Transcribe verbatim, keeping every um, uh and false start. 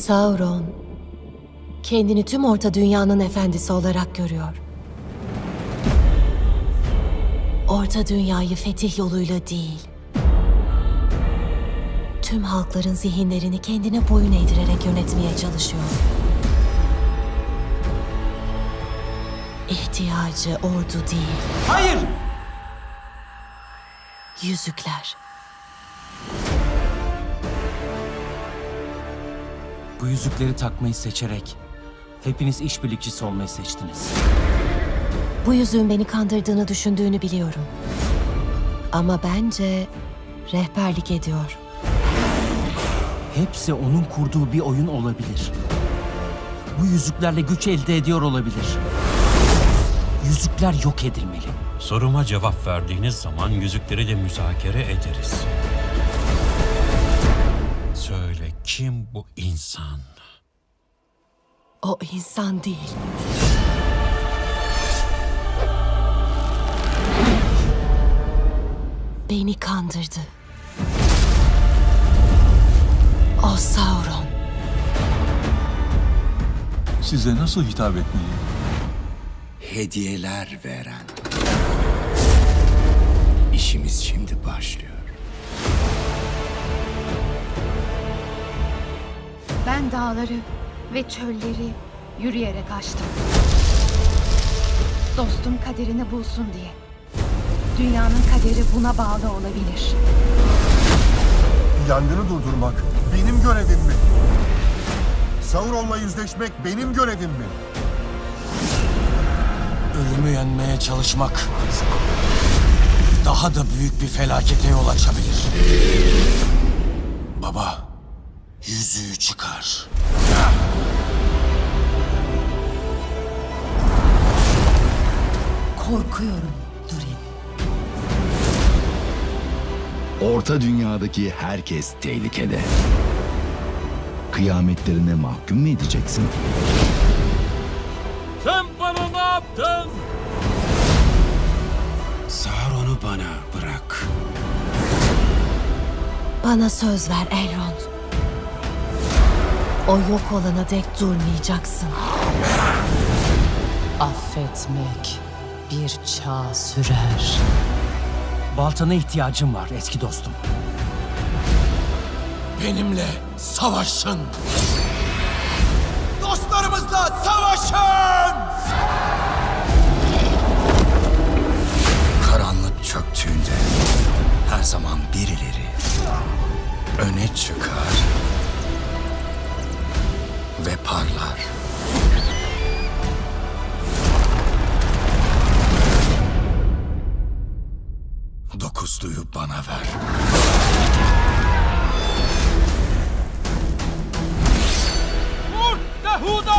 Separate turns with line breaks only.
Sauron, kendini tüm Orta Dünya'nın efendisi olarak görüyor. Orta Dünya'yı fetih yoluyla değil, tüm halkların zihinlerini kendine boyun eğdirerek yönetmeye çalışıyor. İhtiyacı ordu değil,
Hayır!
yüzükler.
Bu yüzükleri takmayı seçerek hepiniz işbirlikçisi olmayı seçtiniz.
Bu yüzüğün beni kandırdığını düşündüğünü biliyorum. Ama bence rehberlik ediyor.
Hepsi onun kurduğu bir oyun olabilir. Bu yüzüklerle güç elde ediyor olabilir. Yüzükler yok edilmeli.
Soruma cevap verdiğiniz zaman yüzükleri de müzakere ederiz. Söyle, kim bu insan?
O insan değil. Beni kandırdı. O Sauron.
Size nasıl hitap etmeliyim?
Hediyeler veren. İşimiz şimdi başlıyor.
Ben dağları ve çölleri yürüyerek aştım. Dostum kaderini bulsun diye. Dünyanın kaderi buna bağlı olabilir.
Yangını durdurmak benim görevim mi? Sauron'la yüzleşmek benim görevim mi?
Ölümü yenmeye çalışmak daha da büyük bir felakete yol açabilir. Baba, yüzüğü çıkar.
Korkuyorum Durin.
Orta Dünya'daki herkes tehlikede. Kıyametlerine mahkum mu edeceksin?
Sen bana ne yaptın?
Sauron'u bana bırak.
Bana söz ver Elrond. O yok olana dek durmayacaksın.
Affetmek bir çağ sürer.
Baltana ihtiyacım var eski dostum. Benimle savaşın. Dostlarımızla savaşın!
Karanlık çöktüğünde her zaman birileri öne çıkar ve parlar. Dokuzluyu bana ver.
Vur Dehuda!